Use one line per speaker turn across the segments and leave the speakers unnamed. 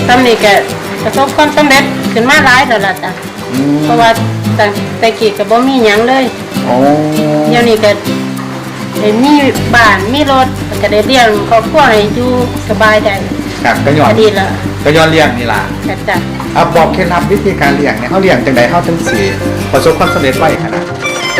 ทำนี่ก็ประสบความสำเร็จขึ้นมาหลายแล้วล่ะจ้ะเพราะว่าแต่กี้ก็บ่มีหยังเลยเดี๋ยวนี้ก็ได้มีบ้านมีรถก็ได้เลี้ยงครอบครัวให้อยู่สบายได้
ครับก็ย้อน
ดีละ
ก็ย้อนเลี้ยงนี่ล่ะ
จ้ะ
บอกเคล็ดลับวิธีการเลี้ยงเนี่ยเขาเลี้ยงจังได๋เขาถึงสิประสบความสำเร็จไวขนาด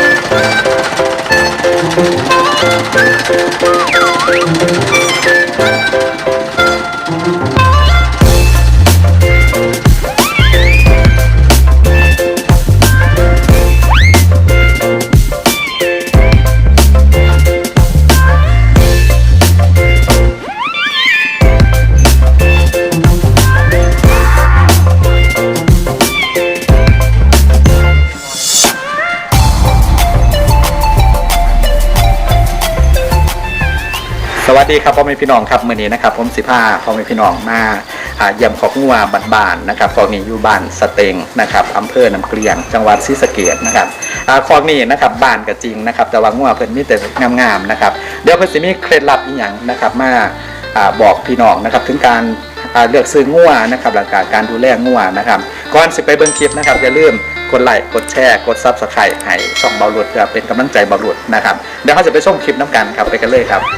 สวัสดีครับพ่อแม่พี่น้องครับมื้อนี้นะครับผมสิพาพ่อแม่พี่น้องมาเยี่ยมคอกงัวบ้านๆนะครับคอกนี้อยู่บ้านสเต็งนะครับอำเภอน้ำเกลียงจังหวัดศรีสะเกษนะครับคอกนี้นะครับบ้านก็จริงนะครับแต่ว่างัวเพิ่นมีแต่งามๆนะครับเดี๋ยวเพิ่นสิมีเคล็ดลับอีหยังนะครับมาบอกพี่น้องนะครับถึงการเลือกซื้องัวนะครับหลักการดูแลงัวนะครับก่อนสิไปเบิ่งคลิปนะครับอย่าลืมกดไลค์กดแชร์กด Subscribe ให้ช่องเบาหลุดเพื่อเป็นกำลังใจเบาหลุดนะครับเดี๋ยวเราจะไปชมคลิปน้ำกันครับไปกันเลยครับ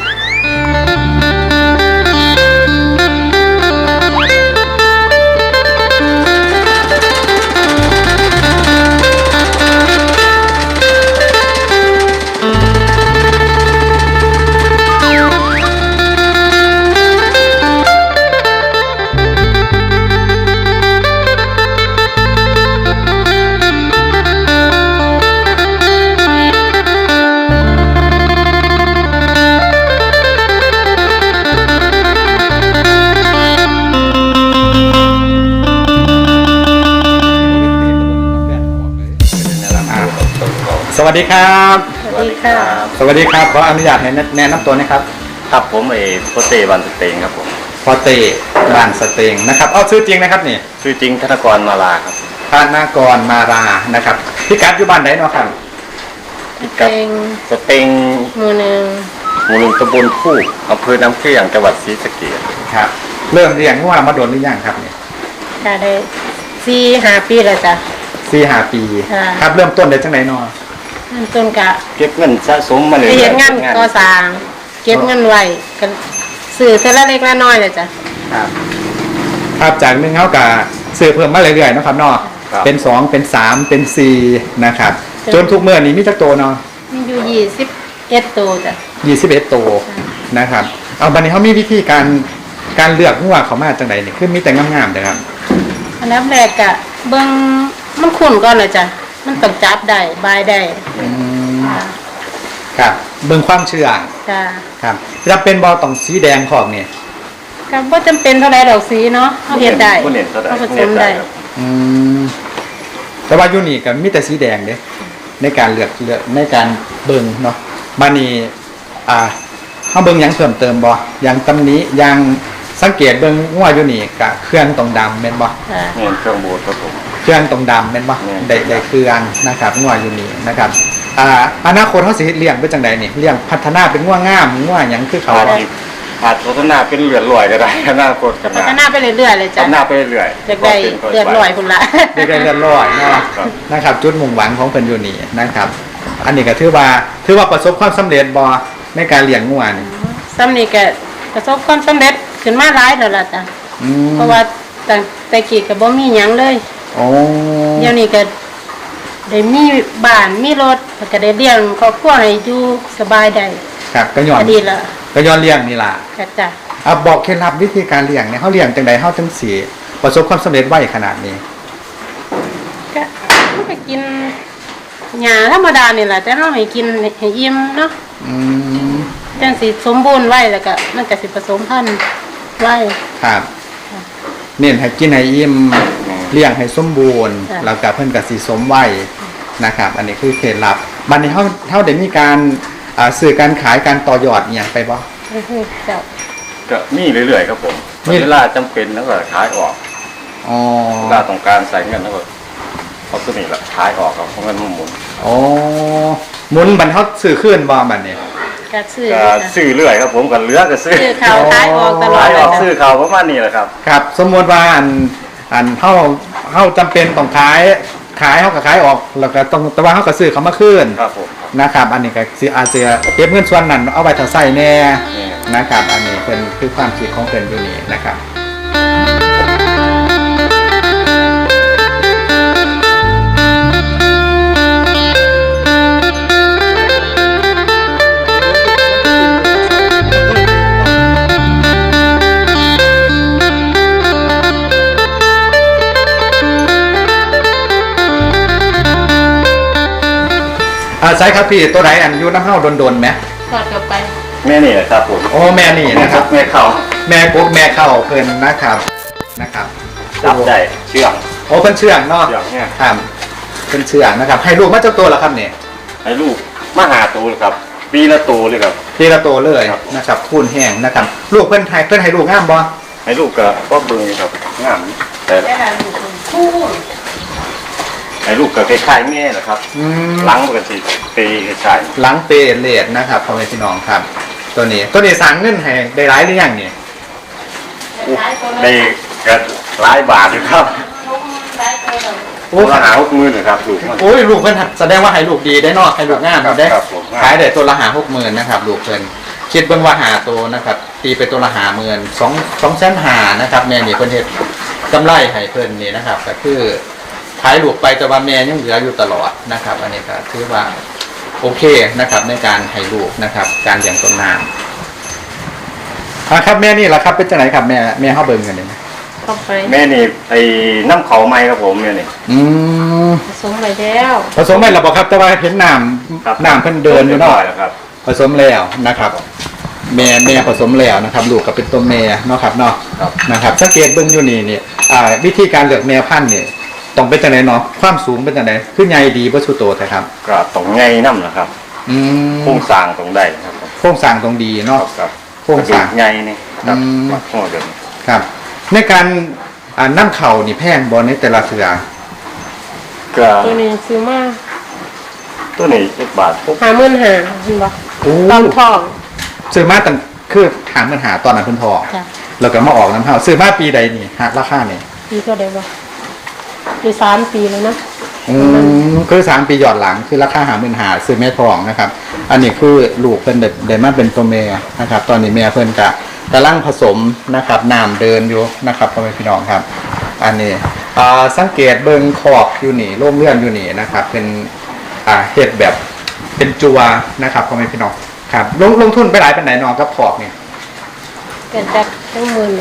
สวัสดีครับ
สวัสดีค่ะ
สวัสดีครับขออนุญาตให้แนะนำตัวนะครับ
ครับผมพ่อเตบ้านสเตงครับผม
พ่อเตบ้านสเตงนะครับเอาชื่อจริงนะครับนี่
ชื่อจริงธนกรมาลาครับ
ธนกรมารานะครับพี่กัดอยู่บ้านไหนเนาะครับ
สเตง
หมู่หนึ่ง
ตำบลคู่อำเภอน้ำเกลี้ยงจังหวัดศรีสะเกษ
ครับเริ่มเลี้ยงงัวมาโดนหรือยังครับเนี่ย
ค่ะได้4-5 ปีแล้วจ้ะ
4-5 ปีครับเริ่มต้นได้จังไหนเนาะ
ต้นกะ
เก็บเงินสะสมมาเลย
เฮ็ดงานก่อสร้างเก็บเงินไว้กันซื้อเท่าละเล็กละน้อยเลยจ้ะ
ครับจากนึงเฮากะซื้อเพิ่มมาเรื่อยๆเนาะครับเนาะเป็น2เป็น3เป็น4นะครับจนทุกมื้อนี้มีจักโตเนาะ
มีอยู่21ตัวจ้ะ
21ตัวนะครับเอาบัดนี้เฮามีวิธีการเลือกงัวเขามาจังไดนี่คือมีแต่งามๆเด้อครับ
อันดับแรกก็เบิ่งมันขุ่นก่อนเลยจ้ะมันต้องจับได้บายได้
ครับเบิ่งความเชื่อ
จ้ะ
ครับจะเป็นบ่ต้องสีแดงของนี่
ก็บ่จำเป็นเท่าใดดอกสีเนาะเฮาเฮ็ดได้เฮาผสมได้
แต่ว่าอยู่นี่ก็มีแต่สีแดงเด้ในการเลือกในการเบิ่งเนาะบัดนี้เฮาเบิ่งหยังเพิ่มเติมบ่อย่างตำนี้อย่างสังเกตเบิ่งงัวอยู่นี่ก็เครื่องตรงดำแม่นบ่
แม่นเครื่องบูดครับผม
เครื่องตรงดำแม่นบ่ได้เครื่องนะครับงัวอยู่นี่นะครับอนาคตเฮาสิเลี้ยงเป็นจังไดนี่เลี้ยงพัฒนาเป็นงัวงามงัวหยังคือเขา
พัฒนาเป็นเลือดลอยก็ได้อนาคต
พัฒนาไปเรื่อยๆเลยจ้ะ
พัฒนาไปเรื่อย
ๆได้เลือดลอยพุ่นละ
ได้เลือดลอยเนาะนะครับจุดมุ่งหวังของเพิ่นอยู่นี่นะครับอันนี้ก็ถือว่าประสบความสำเร็จบ่ในการเลี้ยงงัวนี่
ซ้ำนี่ก็ประสบความสำเร็จขึ้นมาหลายแล้วล่ะจ้ะเพราะว่าแต่กี้ก็บ่มีหยังเลยเดี๋ยวนี้ก็ได้มีบ้านมีรถก็ได้เลี้ยงครอบครัวให้อยู่สบายได้
ครับก็ย้อน
ดีละ
ก็ย้อนเลี้ยงนี่ล่ะ
จ้ะ
บอกเคล็ดลับวิธีการเลี้ยงเนี่ยเฮาเลี้ยงจังได๋เฮาถึงสิประสบความสำเร็จไวขนาดนี้
ก็มันก็กินหญ้าธรรมดานี่แหละแต่เฮาให้กินให้อิ่มเนาะจังสิสมบูรณ์ไว้แล้วก็มันก็สิผสมพันธุ์ไว้
ครับเน้นให้กินให้อิ่มเลี้ยงให้สมบูรณ์แล้วก็เพิ่นก็สิสมไว้นะครับอันนี้คือเคล็ดลับบัดนี้เฮาได้มีการสื่อการขายการต่อยอดอีหยังไปบ่
ก็มีเรื่อยๆครับผมเวลาจำเป็นแล้วก็ขายออกเวลาต้องการใส่เงินแล้วก็เอาตัวนี้ละขายออกครับเพราะเงินมันหมุน
หมุนบัดเฮาซื้อคืนบ่บัดนี้
ก็ซื้อ
ก็ซื้อเรื่อยครับผมก็เหลือก็ซื้อ
ซื้อเขาขายออกตลอด
ขายออก
เลย
ซื้อเขาประมาณนี้แหละครับ
ครับสมมติว่าอันเฮาจำเป็นต้องขายเฮาก็ขายออกแล้วก็ต้องแต่ว่าเฮาก็ซื้อเขามาคืน
ครับผม
นะครับ อันนี้ก็สิอาจจะเก็บเงินส่วนนั้นเอาไว้ถ้าใช้แน่
นี่
นะครับ อันนี้เป็นคือความคิดของเพิ่นอยู่นี่นะครับใช่ครับพี่ตัวไหนอันอยูน้ำเฮาโดนๆไหม
ทอดกลับไป
แม่นี่แหละครับผม
โอ้แม่นี่นะครับ
แม่เขา
แม่กุ๊กแม่เข้าเพิ่นนะครับ
จับได้เชื่อง
โอ้เพิ่นเชื่องเนาะ
เชื่องเนี่ย
ครับเพิ่นเชื่องนะครับให้ลูกมาเจ้าตัวแล้วครับเนี่ย
ให้ลูกมาหาตัวเลยครับ ปีละตัวเลยครับ
ทีละตัวเลย
ครับ
นะครับคูณแห้งนะครับลูกเพิ่นให้ลูกงามบ่
ให้ลูกก็เบิ่งครับงามแต่
ได้ละลูกคู่
ให้ลูกก็คล้ายๆแม่แหละครับ
อืม
หลังมันก็สิตีคล้าย
หลังเปเลดนะครับพ่อแม่พี่น้องครับ ตัวนี้สั่งเงินให้ได้หลายหรือยังเนี่ย
ๆได้ก็หลายบาทอยู่ครับ
โอ้
ตัวละ50,000นะครับลูกมัน
โอ้ยลูกเพิ่นแสดงว่าให้ลูกดีได้เนอกให้ลูกงาม
ครับ
ได้
ครับผม
ขายได้ตัวละ60,000นะครับลูกเพิ่นคิดเบิ่งว่าหาตัวนะครับตีไปตัวละ50,000 250,000นะครับแม่นี่เพิ่นเฮ็ดกำไรให้เพิ่นนี่นะครับก็คือขายลูกไปแต่ว่าแม่ยังเหลืออยู่ตลอดนะครับ อันนี้ก็ถือว่าโอเคนะครับในการให้ลูกนะครับ การเลี้ยงต้นน้ำครับแม่นี่ล่ะครับเป็นจังไหนครับแม่เฮาเบิ่งกันนี่
เข้าไป
แม่นี่ไอ้น้ำเขาไม้ครับผมแม่นี่
อืม
ผสมไปแล้ว
ผสมไปแล้วบ่ครับแต่ว่าเห็นน้
ครับ
ำเพิ่นเดินอยู่เนาะ
แล้วครับ
ผสมแล้วนะครับแม่ผสมแล้วนะครับลูกก็เป็นตัวแม่เนาะครับเนาะ
ครับ
นะครับสังเกตเบิ่งอยู่นี่วิธีการเลือกแม่พันธุ์นี่ต้องเป็นจังไดเนาะความสูงเป็นจังไดคือใหญ่ดีบ่สุโตแท้ครับ
ก็ต้องไงน้ำนะครับ
อืม
โครงสร้างตรงได้นะครับ
โครงสร้างตรงดีเนาะ
ครับ
โครงสร้าง
ไงนี่ครับ
อืม
วัดหัวเดิน
ครับในการน้ำเข่านี่แพงบ่ในแต่ละเทื่อ
ก็
ตัวนี้ซื้อมา
ตัวนี้1 บาทปุ๊บ
50,000เห็นบ่
โอ้
ตอนทอง
ซื้อมาตั้งคือถามปัญหาตอนนั้นเพิ่นทอง
จ้ะ
แล้วก็มาออกน้ำเข่าซื้อมาปีใดนี่ฮะราคานี่
ปีเท่าใดบ่ปี3 ปีแล้วนะ
คือ3 ปีหยอดหลังคือราคา50,000ซื้อแม่ทองนะครับ อันนี้คือลูกเพิ่นได้มาเป็นตัวแม่นะครับ ตอนนี้แม่เพิ่นกำลังผสมนะครับน้ำเดินอยู่นะครับพ่อแม่พี่น้องครับ อันนี้สังเกตเบิ่งขอบอยู่นี่โล่งเลื่อนอยู่นี่นะครับ เป็นเฮ็ดแบบเป็นจัวนะครับพ่อแม่พี่น้องครับลงทุนไปหลายปานไหนน้องกับขอบนี่
เกิดจากทั้งหมื่น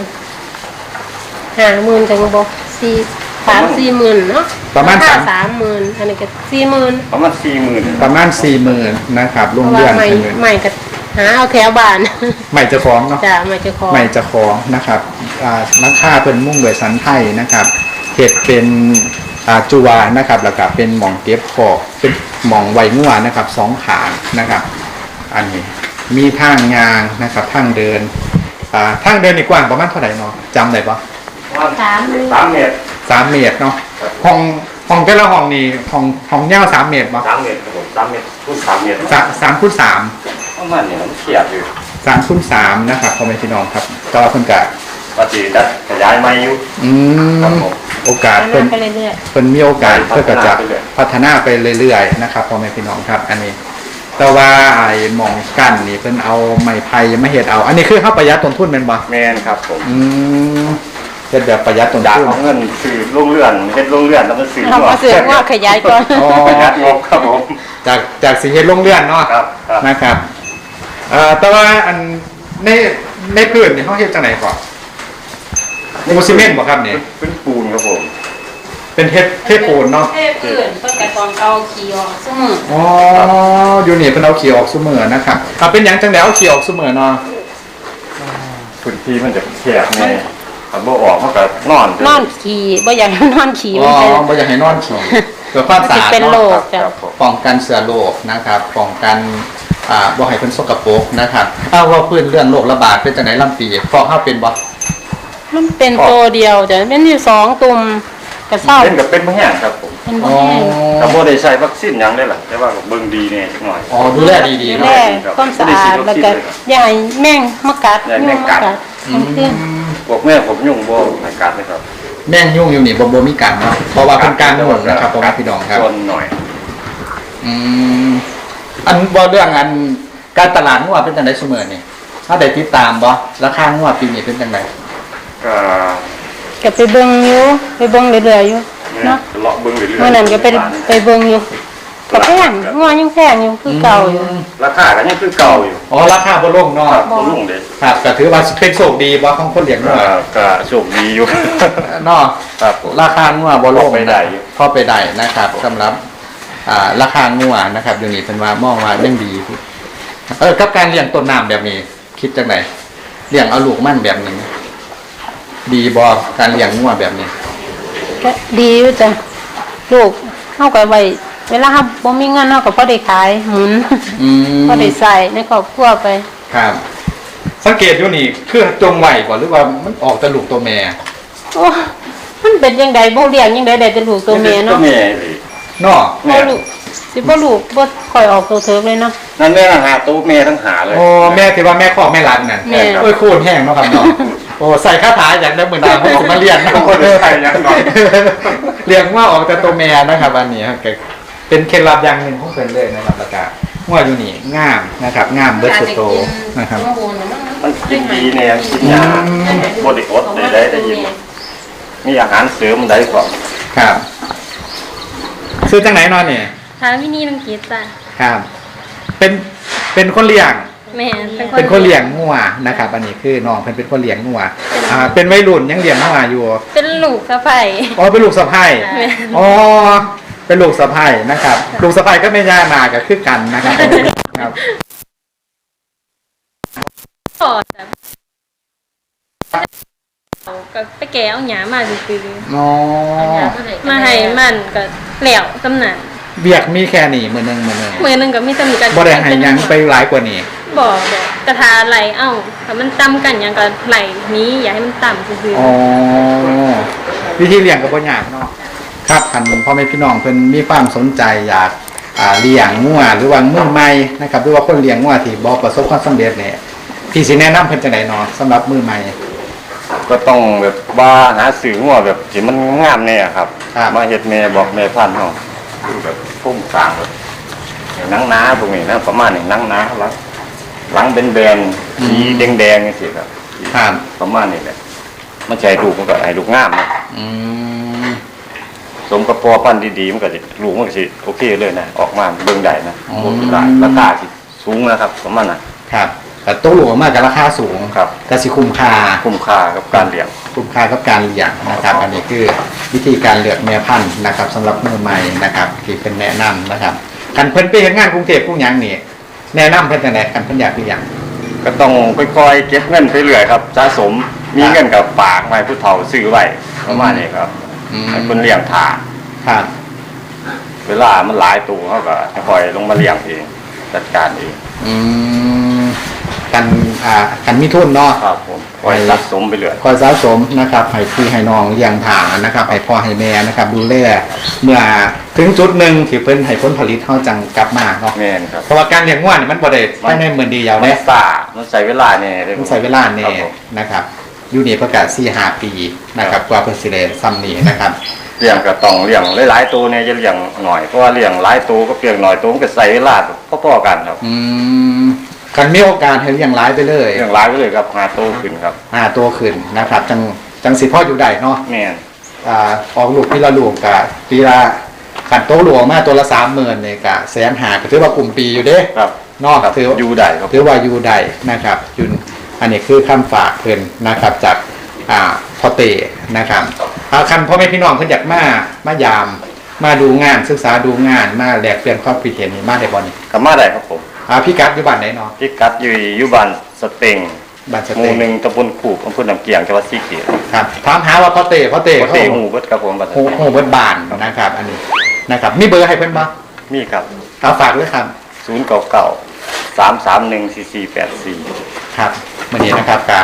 50,000ถึงบ่3-4 หมื่นเนาะ
ประมาณ
ค่
3
30,000อันนี้ก็40,000
ประมาณ40,000
ประมาณ 40,000นะครับ
เพ
ลง
ราะว่า
เลื่อน
ใหม่
เป็น
ใหม่ก็หาเอาแถวบ้าน
ใหม่จะฟ้องเนาะ
จ้ะใหม่จะขอ
ใหม่จะฟ้องนะครับราคาเพิ่นมุ่งโดวยสันไทยนะครับเห็ดเป็นจัวนะครับแล้วก็เป็นหม่องเก็บของเป็นหม่องไวงัวนะครับ2 ขานะครับ อันนี้มีทางยางนะครับทางเดินทางเดินนี่กว้างประมาณเท่าไหร่เนาะจำได้ปะ
3 เมตร
3 เมตรเนาะห้องแต่ละห้องนี่ห้องยาว3 เมตรปะ
3 เมตรครับผม3 เมตรคูณ3 เมตร
3 คูณ 3
ประมาณนี้มันเทียบอยู่
3 คูณ 3นะครับพ่อแม่พี่น้องครับก็เพิ่นกะ
ว่าสิดัดขยายไม้อยู่ ครับผม
โอกาส
พัฒ
เพิ่
นาน ไปเรื่อย
เพิ่นมีโอกาสเพื่อก็จะ
พัฒนาไปเรื่อย
พัฒนาไปเรื่อยๆนะครับพ่อแม่พี่น้องครับ อันนี้ แต่ว่าไอ้หมองกั้นนี่เพิ่นเอาไม้ไผ่มาเฮ็ดเอา อันนี้คือเฮาประหยัดต้นทุนแม่นบ่
แม่นครับผม
เฮ็ดแบบประหยัดต้น
จาก
ทุน
เอาเงินซื้อโรงเรือนเฮ็ดโรงเรือนแล้วก็ซื้อ
ๆเรามาเสือกว่าขยายก่อน
อ๋อ
ประหยัดงบครับผม
จากสิเฮ็ดโรงเรือนเนาะ
ครับครับ
นะครับแต่ว่าอันในพื้นนี่เฮาเฮ็ดจังไดก่อนปูซีเมนต์บ่ครับนี่
เป็นปูนครับผม
เป็นเทปูนเนาะ
เทพื้นเพิ่นก็ต้องเอาขี้ออกซุมื้อ
อ๋ออยู่นี่เป็นเอาเขียวออกซุมือนะครับเป็นหยังจังไดเอาเขียวออกซุมือเนาะ
พื้นที่มันจะแคบแน่ถ้าบ่ออกมันก็นอน
นอนขี้บ่อยากให้นอนขี้
อ๋
มั
อน
เป็น
บ่อยากให้นอนขี่เพื่อความสะอาด
เป็นโร
เนาะ
คจ้ะ
ครับผม
ป้องกันเชื้อโรคนะครับป้องกันบ่ให้เพิ่นสกปรกนะครับว่าพื้นเรื่องโรคระบาดเป็นจังไดลำปีเพราะเฮาเป็นบ่
มันเป็นตัวเดียวจ้ะเป็นอยู่2 ตุ่มกระเศร้า
เป็นกับเป็นบ่แห้งครับผม
เป็นบ่แห้ง
ก็บ่ได้ใช้วัคซีนหยังได้ล่ะแต่ว่าก็เบิ่งดีแน่จักหน่อย
อ๋อดูแลดี
ดู
ๆ
แล
เนาะ
ความสะอาดแล้วก็อย่าให้แม่งมากัด
อย่าให้แม่งกัด
มันคือ
พวกแม่ผมยุ่งบ่ให้กัดเลยครับ
แม่งยุ่งอยู่นี่บ่มีกันเนาะเพราะว่าเป็นการหมดนะครับพ่อแม่พี่น้องครับ
ส่วนหน่อย
อืมอันบ่เรื่องอันการตลาดงัวเป็นจังได๋ซุมื้อนี่ถ้าได้ติดตามบ่ราคางัวปีนี้เป็นจังได๋
ก็
ก็ไปเบิ่งอยู่ไปเบิ่งเรื่อยๆอยู่
เนี่ย
เนาะ
เลาะเบิ่งเรื่อยๆ
เมื่อนั้นก็ไปเบิ่งอยู่ก็แพงงัวยังแพงอยู่คือเก่าอยู่
ราคาก็ยังคือเก่าอยู่
อ๋อราคาบ่ลงเนาะ
ครับบ่ลงเด้
ครับก็ถือว่าเป็นโชคดีบ่ของคนเลี้ยงงัว
ก็โชคดีอยู่
เนาะ
ครับผม
ราคางัวบ่ลง
พอไปได้อยู่
พอไปได้นะครับสำหรับราคางัวนะครับเดี๋ยวนี้เพิ่นว่ามองว่ายังดีกับการเลี้ยงต้นน้ำแบบนี้ คิดจังได๋เลี้ยงเอาลูกมันแบบนี้ดีบ่การเลี้ยงงัวแบบนี้
ก็ดีอยู่จ้ะลูกเฮาก็ไว้เวลาเฮาบ่มีเงินเฮาก็พอได้ขายหมุน
อืม
พอได้ใส่ในครอบครัวไป
ครับ สังเกตอยู่นี่คือจงไหวบ่หรือว่ามันออกแต่ลูกตัวแม่
โอ้มันเป็นจังไดบ่เลี้ยงจังไดได้แต่ลูกตัวแม่เนาะ
ตัวแม่เลย
เนาะ
บ่ลูกสิบ่ลูกบ่ค่อยออกตัวเถิกเลยเนาะ
นั่นแม่หาตัวแม่ทั้งหาเลย
โอ้แม่ที่ว่าแม่คอกแม่รักนั่น
แม่
โอ้ยโคตรแห้งเนาะครับเนาะโอ้ใส่คาถาอย่างได้เหมือนดาวออกมาเรียนนะ
คนไทยยังก่อน
เรียกว่าออกแต่ตัวแม่นะครับอันนี้ครับเป็นเคล็ดลับอย่างหนึ่งของเพิ่นเลยนะครับแล้วก็งัวอยู่นี่งามนะครับงามเบิดสุดโตนะครับ
มันกินดีเนี่ยกินยาบริอดได้ยินมีอาหารเสริมได้ก่อน
ครับซื้อจังไหนนอนเนี่ย
ทางวินีลังกีจ้ะ
ครับเป็นคนเลี้ยง
แม่
เป็นคนเลี้ยงงัวนะครับ อันนี้คือน้องเพิ่นเป็นคนเลี้ยงงัวเป็นวัยรุ่นยังเลี้ยงงัวอยู่
เป็นลูกสะใภ้
อ๋อเป็นลูกสะใภ้
แม่
อ๋อเป็นลูกสะใภ้นะครับ ลูกสะใภ้ก็ไม่ย่านาก็คือกันนะครับครับ
พ่อจ้ะก็ไปแก้เอาหยามาซื้อ
อ๋อ
ๆมาให้มันก็แล้วตำหนัก
เบียกมีแค่นี้มื้อหนึง
มือหนึงก็มีตำหนิกัน
บ่ได้ให้หยังไปหลายกว่านี้
บ่กระทาไหลเอ้าถ้ามันต่ำกันหยังก็ไหลนี้อย่าให้มันต่ำซื่อ
อ๋อวิธีเลี้ยงก็บ่ยากเนาะครับคันพ่อแม่พี่น้องเพิ่นมีความสนใจอยากเลี้ยงงัวหรือว่ามือใหม่นะครับหรือว่าคนเลี้ยงงัวที่บ่ประสบความสำเร็จเนี่ยพี่สิแนะนำเพิ่นจังได๋เนาะสำหรับมือใหม่
ก็ต้องแบบว่าหาสื่อหัวแบบที่มันงามแน่ครับ
ครับ
มาเฮ็ดแม่บอกแม่พันธุ์เฮาคือแบบพุ่มกลางแบบอย่างนังน้าพวกนี้นะประมาณนี้นังน้าหลังเป็นแบนๆสีแดงๆจังซี่ครับ
ครับ
ประมาณนี้แหละมันใจลูกมันก็ให้ลูกงามนะ
อืม
สมกับพอพันธุ์ดีๆมันก็สิลูกมันก็สิโอเคเลยนะออกมาเบิ่งได้นะ
อ๋อ
ราคาสิสูงนะครับประมาณนั้น
ครับแต่ตู้หลวงมากกับราคาสูง
ครับ
แต่สิคุ้มค่า
คุ้มค่ากับการเลี้ยง
คุ้มค่ากับการเลี้ยงนะครับ อันนี้คือวิธีการเลือกแม่พันธุ์นะครับสำหรับมือใหม่นะครับที่เป็นแนะนำนะครับกันเพิ่นไปเฮ็ดงานกรุงเทพกรุงหยังนี่แนะนำเพิ่นจังได๋กันเพิ่นอยากเลี้ยง
ก็ต้องค่อยๆเก็บเงินไปเรื่อยครับสะสมมีเงินกับฝากไว้ผู้เฒ่าซื้อไว้ประมาณนี้ครับ
อืม
ให้คนเลี้ยงถา
ครับ
เวลามันหลายตัวเขาก็ค่อยลงมาเลี้ยงเองจัดการเอง
อืมกันมีทุนเนาะ
ครับผมคอยสะสมไปเรื่อย
คอยสะสมนะครับให้พี่ให้น้องเลี้ยงถานะครับให้พ่อให้แม่นะครับดูแลเมื่อถึงจุดหนึ่งที่เพิ่นให้ผลผลิตเฮาจังกลับมาเนาะ
แม่นครับ
เพราะว่าการเลี้ยงวัวนี่มันบ่ได้ภายในมื้อเดียว
มัน
เด้
ซ่ามันใช้เวลาเนี่ย
มันใช้เวลาแน่
ครับผม
นะครับอยู่นี่ประกาศ4-5 ปีนะครับกว่าเพิ่นสิได้ซ้ำนี้นะครับ
เลี้ยงก็ต้องเลี้ยงหลายๆตัวเนี่ยจะเลี้ยงหน่อยเพราะว่าเลี้ยงหลายตัวก็เปลี่ยนหน่อยตัวมันก็ใช้เวลาพอๆกันครับ
อืมกันมีโอกาสให้เลี้ยงหลายไปเลย
เลี้ยงหลายไปเลยครับหาโตขึ้นครับ
ตัวขึ้นนะครับจังสิพ่ออยู่ได้เนาะ
แม่น
ออกลูกปีละลูกกะปีละขันโตหลวงมาตัวละ30,000เนี่ยกะ150,000ก็ถือว่ากลุ่มปีอยู่เด้
ครับ
เนาะ
ครับ
ถือ
อยู่ได้ครับ
ถือว่าอยู่ได้นะครับยุนอันนี้คือคำฝากเพิ่นนะครับจากพ่อเตนะครับคันพ่อแม่พี่น้องเพิ่นอยากมายามมาดูงานศึกษาดูงานมาแลกเปลี่ยนความคิดเห็นนี่มาได้บ่นี่
ก็มาได้ครับผม
พี่กัดอยู่บ้านไหนเนาะ
พิกัดอยู่บ้านสเต็ง
บ้านส
ห
เต
มู่หนึ่งตำบลขู่อำเภอหนำเกียงจังหวัดศรีเกียรติ
ครับถามหาว่าพ่อเต
ปก
เขา
ติหูเบิดครับผมบ้านส
โห
เต็ง
โหเบิดบ้านนะครับ อันนี้นะครับมีเบอร์ให้เพิ่นบ่
มีครับ
เอาฝากด้วยครับ
099 331 4484
ครับวันนี้นะครับกับ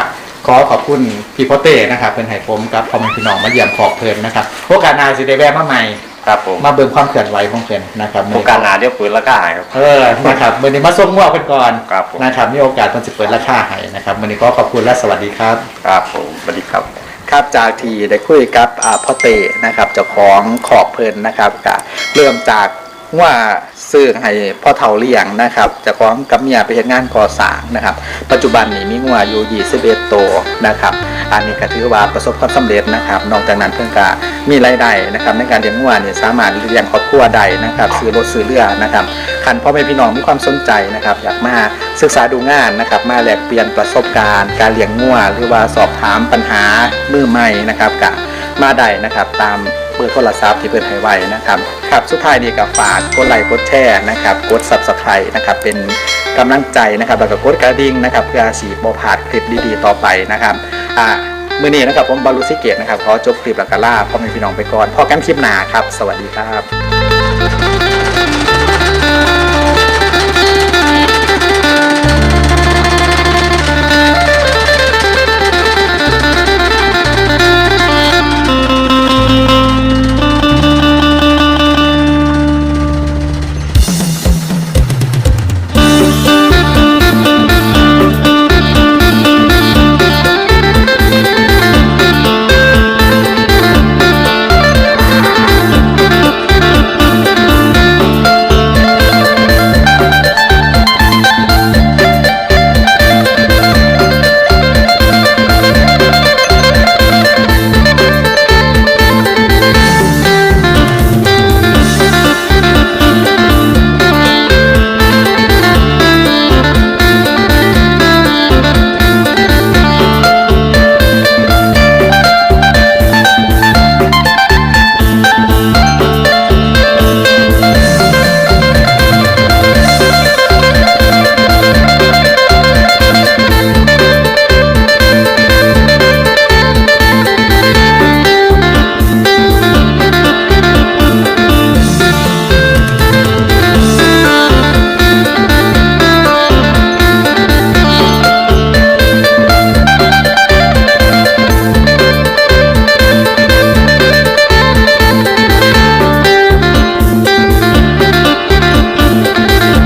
ขอขอบคุณพี่พ่อเต้นะครับเป็นไห้ผมกับพ่อแม่พี่น้องมาเยี่ยมขอบเพลินนะครับโอกาสหน้าสิได้แวะมาใหม่
ครับผม
มาเบิ่งความเคลื่อนไหวของเพิ่นนะครับ
โอกาสหนาเดี๋ยวปืนละก้าครับ
นะครับมื้อนี้มาส่งงวเพิ่นก่อน
ครับผม
นะครับมีโอกาสเพิ่นสิเปิดราคาให้นะครับมื้อนี้ก็ขอบคุณและสวัสดีครับ
ครับผมสวัสดีครับ
ครับจากที่ได้คุยกับพ่อเต้นะครับเจ้าของขอบเพลินนะครับก็เริ่มจากว่าซื้อให้พ่อเฒ่าเลี้ยงนะครับเจ้าของกับเมียไปเฮ็ดงานก่อสร้างนะครับปัจจุบันนี้มีงัวอยู่21ตัวนะครับอันนี้ก็ถือว่าประสบความสำเร็จนะครับนอกจากนั้นเพิ่นก็มีรายได้นะครับในการเลี้ยงงัวเนี่ยสามารถเลี้ยงครอบครัวได้นะครับซื้อรถซื้อเรือนะครับคันพ่อแม่พี่น้องมีความสนใจนะครับอยากมาศึกษาดูงานนะครับมาแลกเปลี่ยนประสบการณ์การเลี้ยงงัวหรือว่าสอบถามปัญหามือใหม่นะครับก็มาได้นะครับตามเบอร์โทรศัพท์ที่เพิ่นให้ไว้นะครับครับสุดท้ายนี้ก็ฝากกดไลค์กดแชร์นะครับกด Subscribe นะครับเป็นกำลังใจนะครับแล้วก็กดกระดิ่งนะครับเพื่อสิบ่พลาดคลิปดีๆต่อไปนะครับมื้อนี้นะครับผมบารุสิเกตนะครับขอจบคลิปแล้วก็ลาพ่อแม่พี่น้องไปก่อนพอกันคลิปหน้าครับสวัสดีครับ